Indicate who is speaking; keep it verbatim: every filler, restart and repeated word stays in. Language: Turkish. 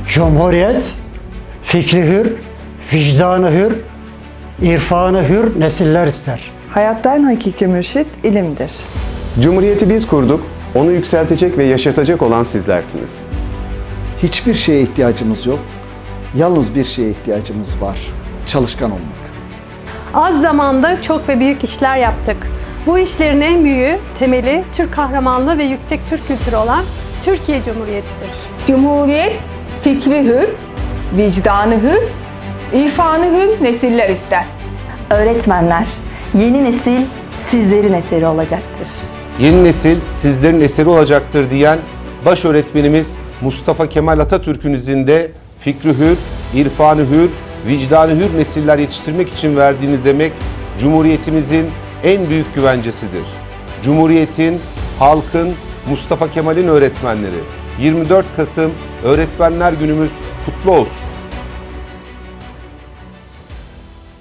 Speaker 1: Cumhuriyet, fikri hür, vicdanı hür, irfanı hür nesiller ister.
Speaker 2: Hayatta en hakiki mürşit ilimdir.
Speaker 3: Cumhuriyeti biz kurduk, onu yükseltecek ve yaşatacak olan sizlersiniz.
Speaker 4: Hiçbir şeye ihtiyacımız yok. Yalnız bir şeye ihtiyacımız var. Çalışkan olmak.
Speaker 5: Az zamanda çok ve büyük işler yaptık. Bu işlerin en büyüğü, temeli Türk kahramanlığı ve yüksek Türk kültürü olan Türkiye Cumhuriyeti'dir.
Speaker 6: Cumhuriyet, fikri hür, vicdanı hür, irfanı hür nesiller ister.
Speaker 7: Öğretmenler, yeni nesil sizlerin eseri olacaktır.
Speaker 8: Yeni nesil sizlerin eseri olacaktır diyen baş öğretmenimiz Mustafa Kemal Atatürk'ün izinde fikri hür, irfanı hür, vicdanı hür nesiller yetiştirmek için verdiğiniz emek Cumhuriyetimizin en büyük güvencesidir. Cumhuriyetin, halkın, Mustafa Kemal'in öğretmenleri. yirmi dört Kasım Öğretmenler Günümüz kutlu olsun.